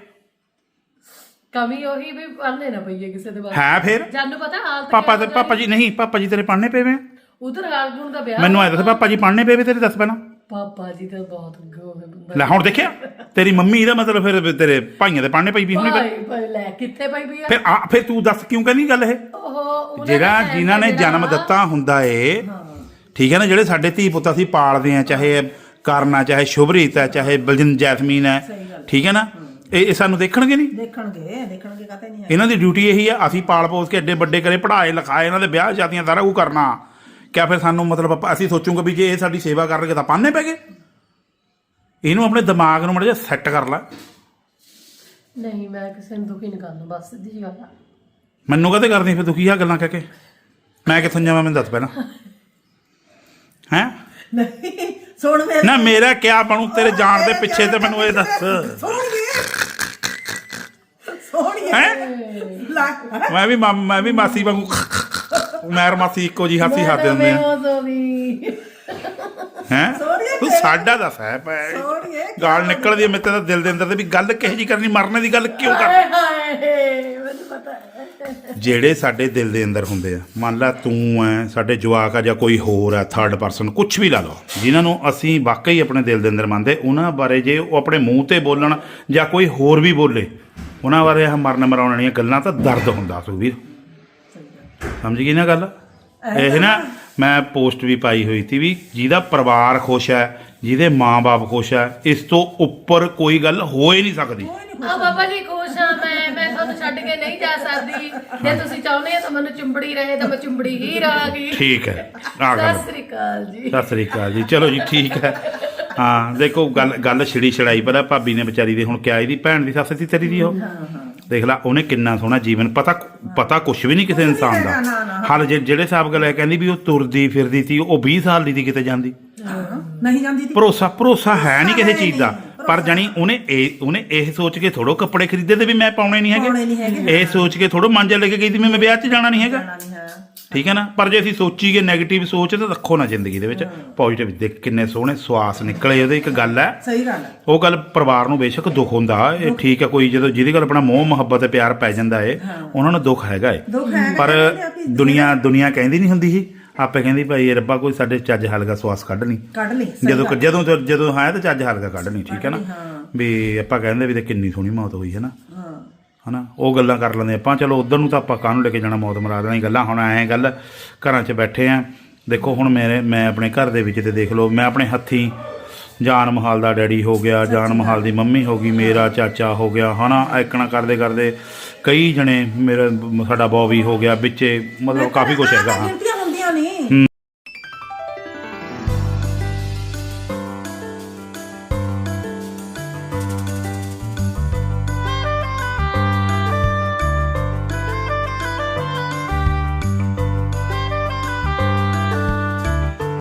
Speaker 2: ਕਮੀ ਉਹੀ ਵੀ ਪੜਨੇ ਨਾ ਪਈਏ ਕਿਸੇ ਦੇ ਬਾਰੇ।
Speaker 1: ਹੈ ਫਿਰ
Speaker 2: ਜਾਨੂੰ ਪਤਾ ਹਾਲ
Speaker 1: ਪਾਪਾ ਤੇ ਪਾਪਾ ਜੀ ਨਹੀਂ, ਪਾਪਾ ਜੀ ਤੇਰੇ ਪੜ੍ਹਨੇ ਪਏ ਵੇ?
Speaker 2: ਉਧਰ ਹਾਲ ਗੁਣ ਦਾ ਵਿਆਹ।
Speaker 1: ਮੈਨੂੰ ਐ ਦੱਸ ਪਾਪਾ ਜੀ ਪੜ੍ਹਨੇ ਪਏ ਵੇ ਤੇਰੇ? ਦੱਸ ਪਹਿਲਾਂ।
Speaker 2: ਪਾਪਾ ਜੀ ਤਾਂ ਬਹੁਤ ਗੋਹ ਬੰਦਾ।
Speaker 1: ਲੈ ਹੁਣ ਦੇਖਿਆ ਤੇਰੀ ਮੰਮੀ ਦਾ ਮਤਲਬ ਫਿਰ ਤੇਰੇ ਭਾਈਆਂ ਦੇ ਪੜ੍ਹਨੇ ਪਈ ਵੀ ਹੁਣੇ ਫਿਰ।
Speaker 2: ਭਾਈ ਭਾਈ ਲੈ ਕਿੱਥੇ ਪਈ ਵੀ ਆ
Speaker 1: ਫਿਰ ਆ ਫਿਰ ਤੂੰ ਦੱਸ ਕਿਉਂ ਕਹਿੰਦੀ ਗੱਲ ਇਹ?
Speaker 2: ਉਹ ਉਹਨਾਂ
Speaker 1: ਜਿਹੜਾ
Speaker 2: ਦਾ
Speaker 1: ਜਿਨ੍ਹਾਂ ਨੇ
Speaker 2: ਜਿਹੜਾ-
Speaker 1: ਜਨਮ ਦਿੱਤਾ ਹੁੰਦਾ ਏ, ਠੀਕ ਹੈ ਨਾ, ਜਿਹੜੇ ਸਾਡੇ ਧੀ ਪੁੱਤ ਅਸੀਂ ਪਾਲਦੇ ਆ, ਚਾਹੇ ਕਰਨਾ, ਚਾਹੇ ਸ਼ੁਭਰੀਤ ਹੈ, ਚਾਹੇ ਬਲਜਿੰਦ ਜੈਸਮੀਨ ਹੈ, ਠੀਕ ਹੈ ਨਾ, ਇਹ ਇਹ ਸਾਨੂੰ ਦੇਖਣਗੇ ਨਹੀਂ?
Speaker 5: ਦੇਖਣਗੇ ਦੇਖਣਗੇ ਕਾਤੇ ਨਹੀਂ ਹੈ।
Speaker 1: ਇਹਨਾਂ ਦੀ ਡਿਊਟੀ ਇਹੀ ਆ, ਅਸੀਂ ਪਾਲ ਪੋਸ ਕੇ ਐਡੇ ਵੱਡੇ ਕਰੇ, ਪੜ੍ਹਾਏ ਲਿਖਾਏ, ਇਹਨਾਂ ਦੇ ਵਿਆਹ ਸ਼ਾਦੀਆਂ ਸਾਰਾ ਕੁਝ ਕਰਨਾ। ਕਿਆ ਫਿਰ ਸਾਨੂੰ ਮਤਲਬ ਆਪਾਂ- ਅਸੀਂ ਸੋਚੂਗੇ ਵੀ ਜੇ ਇਹ ਸਾਡੀ ਸੇਵਾ ਕਰਨਗੇ ਤਾਂ ਪਾਨੇ ਪੈ ਗਏ? ਇਹਨੂੰ ਆਪਣੇ ਦਿਮਾਗ ਨੂੰ ਮਾੜਾ ਜਿਹਾ ਸੈੱਟ ਕਰ ਲੈ।
Speaker 2: ਨਹੀਂ ਮੈਂ ਕਿਸੇ ਨੂੰ ਦੁਖੀ ਨਹੀਂ ਕਰਨਾ, ਬਸ ਸਿੱਧੀ ਜਿਹੀ ਗੱਲ ਆ।
Speaker 1: ਮੈਨੂੰ ਕਦੇ ਕਰਦੀ ਫਿਰ ਦੁਖੀ ਆ ਗੱਲਾਂ ਕਹਿ ਕੇ? ਮੈਂ ਕਿੱਥੋਂ ਜਾਵਾਂ ਮੈਨੂੰ ਦੱਸ ਪਹਿਲਾਂ। ਹੈਂ
Speaker 5: ਨਹੀਂ ਸੁਣ ਮੇਰੇ
Speaker 1: ਨਾ ਮੇਰਾ ਕਿਆ ਬਣੂ ਤੇਰੇ ਜਾਣ ਦੇ ਪਿੱਛੇ ਤੇ ਮੈਨੂੰ ਇਹ ਦੱਸ।
Speaker 5: ਸੋਹਣੀਏ ਸੋਹਣੀਏ
Speaker 1: ਹੈਂ
Speaker 5: ਲੈ
Speaker 1: ਮੈਂ ਵੀ ਮਾਮ- ਮੈਂ ਵੀ ਮਾਸੀ ਵਾਂਗੂ ਮੈਰ ਮਾਸੀ ਇੱਕੋ ਜੀ ਹਾਸੀ ਖਾਦੇ ਹੁੰਦੇ ਆ।
Speaker 2: ਸੋਨੀ
Speaker 1: ਹੈਂ ਤੂੰ ਸਾਡਾ ਦੱਸ ਹੈ ਪੈ
Speaker 5: ਸੋਹਣੀਏ
Speaker 1: ਗਾਲ ਨਿਕਲਦੀ ਹੈ ਮੇਰੇ ਤਾਂ ਦਿਲ ਦੇ ਅੰਦਰ ਤੇ ਵੀ ਗੱਲ ਕਿਹੋ ਜੀ ਕਰਨੀ, ਮਰਨੇ ਦੀ ਗੱਲ ਕਿਉਂ ਕਰਨੀ?
Speaker 2: ਹਾਏ ਹਾਏ ਮੈਨੂੰ ਪਤਾ ਹੈ।
Speaker 1: ਜਿਹੜੇ ਸਾਡੇ ਦਿਲ ਦੇ ਅੰਦਰ ਹੁੰਦੇ ਆ, ਮੰਨ ਲਾ ਤੂੰ ਐ, ਸਾਡੇ ਜਵਾਕ ਆ, ਜਾਂ ਕੋਈ ਹੋਰ ਹੈ ਥਰਡ ਪਰਸਨ, ਕੁਝ ਵੀ ਲਾ ਲਓ, ਜਿਨ੍ਹਾਂ ਨੂੰ ਅਸੀਂ ਵਾਕਈ ਆਪਣੇ ਦਿਲ ਦੇ ਅੰਦਰ ਮੰਨਦੇ, ਉਹਨਾਂ ਬਾਰੇ ਜੇ ਉਹ ਆਪਣੇ ਮੂੰਹ ਤੇ ਬੋਲਣ ਜਾਂ ਕੋਈ ਹੋਰ ਵੀ ਬੋਲੇ, ਉਹਨਾਂ ਬਾਰੇ ਆਹ ਮਰਨ ਮਰਾਉਣ ਵਾਲੀਆਂ ਗੱਲਾਂ ਤਾਂ ਦਰਦ ਹੁੰਦਾ ਸੁਖਬੀਰ। ਸਮਝ ਗਈ ਨਾ ਗੱਲ? ਇਹ ਨਾ ਮੈਂ ਪੋਸਟ ਵੀ ਪਾਈ ਹੋਈ ਸੀ ਵੀ ਜਿਹਦਾ ਪਰਿਵਾਰ ਖੁਸ਼ ਹੈ, ਜਿਹਦੇ ਮਾਂ-ਬਾਪ ਖੁਸ਼ ਹੈ, ਇਸ ਤੋਂ ਉੱਪਰ ਕੋਈ ਗੱਲ ਹੋ ਹੀ ਨਹੀਂ ਸਕਦੀ।
Speaker 2: ਆ ਬਾਬਾ ਜੀ ਖੁਸ਼ ਆ ਮੈਂ ਮੈਂ ਤੁਹਾਨੂੰ ਛੱਡ ਕੇ ਨਹੀਂ ਜਾ ਸਕਦੀ। ਜੇ ਤੁਸੀਂ ਚਾਹੁੰਦੇ ਆ ਤਾਂ ਮੈਨੂੰ ਚੁੰਬੜੀ ਰਹੇ ਤਾਂ ਮੈਂ ਚੁੰਬੜੀ ਹੀ ਰਹਾਂਗੀ।
Speaker 1: ਠੀਕ ਹੈ ਆ ਗੱਲ।
Speaker 2: ਸਤਿ ਸ੍ਰੀ ਅਕਾਲ ਜੀ।
Speaker 1: ਸਤਿ ਸ੍ਰੀ ਅਕਾਲ ਜੀ। ਚਲੋ ਜੀ ਠੀਕ ਹੈ। ਹਾਂ ਦੇਖੋ ਗੱਲ ਗੱਲ ਛਿੜੀ ਛੜਾਈ ਪਤਾ ਭਾਬੀ ਨੇ ਵਿਚਾਰੀ ਦੇ ਹੁਣ ਕਿਆ ਇਹਦੀ ਭੈਣ ਦੀ ਸੱਸ ਸੀ ਤੇਰੀ ਦੀ, ਉਹ ਦੇਖ ਲਾ ਉਹਨੇ ਕਿੰਨਾ ਸੋਹਣਾ ਜੀਵਨ, ਪਤਾ ਪਤਾ ਕੁਛ ਵੀ ਨਹੀਂ ਕਿਸੇ ਇਨਸਾਨ ਦਾ ਹਾਲ। ਜੇ ਜਿਹੜੇ ਹਿਸਾਬ ਗੱਲ ਹੈ ਕਹਿੰਦੀ ਵੀ ਉਹ ਤੁਰਦੀ ਫਿਰਦੀ ਸੀ, ਉਹ ਵੀਹ ਸਾਲ ਦੀ ਸੀ ਕਿਤੇ ਜਾਂਦੀ,
Speaker 5: ਨਹੀਂ ਜਾਂਦੀ ਤੀ।
Speaker 1: ਭਰੋਸਾ ਭਰੋਸਾ ਹੈ ਨਹੀਂ ਕਿਸੇ ਚੀਜ਼ ਦਾ। ਪਰ ਜਾਣੀ ਉਹਨੇ ਇਹ ਉਹਨੇ ਇਹ ਸੋਚ ਕੇ ਥੋੜੋ ਕੱਪੜੇ ਖਰੀਦੇ ਤੇ ਵੀ ਮੈਂ ਪਾਉਣੇ ਨਹੀਂ
Speaker 5: ਪਾਉਣੇ ਨਹੀਂ
Speaker 1: ਹੈਗੇ,
Speaker 5: ਹੈਗੇ।
Speaker 1: ਇਹ ਸੋਚ ਕੇ ਥੋੜੋ ਮਾਂਜਾ ਲੈ ਕੇ ਗਈ ਸੀ ਮੈਂ ਵਿਆਹ 'ਚ ਜਾਣਾ ਨਹੀਂ ਹੈਗਾ,
Speaker 5: ਜਾਣਾ ਨਹੀਂ ਹੈ।
Speaker 1: ਠੀਕ ਹੈ ਨਾ। ਪਰ ਜੇ ਅਸੀਂ ਸੋਚੀਏ ਨੈਗੇਟਿਵ ਸੋਚ ਤਾਂ ਰੱਖੋ ਨਾ ਜ਼ਿੰਦਗੀ ਦੇ ਵਿੱਚ, ਪੋਜ਼ਿਟਿਵ। ਦੇਖ ਕਿੰਨੇ ਸੋਹਣੇ ਸਵਾਸ ਨਿਕਲੇ ਉਹਦੇ। ਇੱਕ ਗੱਲ ਹੈ,
Speaker 5: ਸਹੀ ਗੱਲ ਹੈ।
Speaker 1: ਉਹ ਗੱਲ ਪਰਿਵਾਰ ਨੂੰ ਬੇਸ਼ੱਕ ਦੁੱਖ ਹੁੰਦਾ, ਇਹ ਠੀਕ ਹੈ, ਕੋਈ ਜਦੋਂ ਜਿਹਦੇ ਕੋਲ ਆਪਣਾ ਮੋਹ ਮੁਹੱਬਤ ਤੇ ਪਿਆਰ ਪੈ ਜਾਂਦਾ ਏ, ਉਹਨਾਂ ਨੂੰ ਦੁੱਖ ਹੈਗਾ ਏ।
Speaker 5: ਦੁੱਖ ਹੈਗਾ,
Speaker 1: ਪਰ
Speaker 5: ਕਹਿੰਦੇ ਆ ਵੀ
Speaker 1: ਦੁਨੀਆ ਦੁਨੀਆ ਕਹਿੰਦੀ ਨਹੀਂ ਹੁੰਦੀ ਸੀ, ਆਪੇ ਕਹਿੰਦੀ ਭਾਈ ਰੱਬਾ ਕੋਈ ਸਾਡੇ ਚੱਜ ਹਲਕਾ ਸਵਾਸ ਕੱਢ ਲਈ।
Speaker 5: ਕੱਢ ਲਈ ਸਹੀ
Speaker 1: ਜਦੋਂ
Speaker 5: ਗੱਲ।
Speaker 1: ਜਦੋਂ ਜਦੋਂ ਹੈ ਤਾਂ ਚੱਜ ਹਲਕਾ ਕੱਢ ਲਈ, ਠੀਕ ਹੈ ਨਾ।
Speaker 5: ਹਾਂ।
Speaker 1: ਵੀ ਆਪਾਂ ਕਹਿੰਦੇ ਵੀ ਤੇ ਕਿੰਨੀ ਸੋਹਣੀ ਮੌਤ ਹੋਈ ਹੈ ਨਾ,
Speaker 5: ਹਾਂ
Speaker 1: ਹਨਾ, ਉਹ ਗੱਲਾਂ ਕਰ ਲੈਂਦੇ ਆਪਾਂ। ਚਲੋ ਉਧਰ ਨੂੰ ਤਾਂ ਆਪਾਂ ਕਾਹਨੂੰ ਲੈ ਕੇ ਜਾਣਾ, ਮੌਤ ਮਰਾ ਦੇਣੀ ਗੱਲਾਂ। ਹੁਣ ਐਂ ਗੱਲ ਘਰਾਂ 'ਚ ਬੈਠੇ ਆ, ਦੇਖੋ ਹੁਣ ਮੇਰੇ ਮੈਂ ਆਪਣੇ ਘਰ ਦੇ ਵਿੱਚ ਤੇ ਦੇਖ ਲਓ, ਮੈਂ ਆਪਣੇ ਹੱਥੀਂ ਜਾਨ ਮਹਾਲ ਦਾ ਡੈਡੀ ਹੋ ਗਿਆ, ਜਾਨ ਮਹਾਲ ਦੀ ਮੰਮੀ ਹੋ ਗਈ, ਮੇਰਾ ਚਾਚਾ ਹੋ ਗਿਆ, ਹਨਾ, ਐਕਣਾ ਕਰਦੇ ਕਰਦੇ ਕਈ ਜਣੇ, ਮੇਰਾ ਸਾਡਾ ਬੌਬੀ ਹੋ ਗਿਆ ਵਿੱਚੇ, ਮਤਲਬ ਕਾਫੀ ਕੁਛ ਹੈਗਾ। ਹਾਂ
Speaker 5: ਗਿਣਤੀਆਂ ਹੁੰਦੀਆਂ ਨਹੀਂ।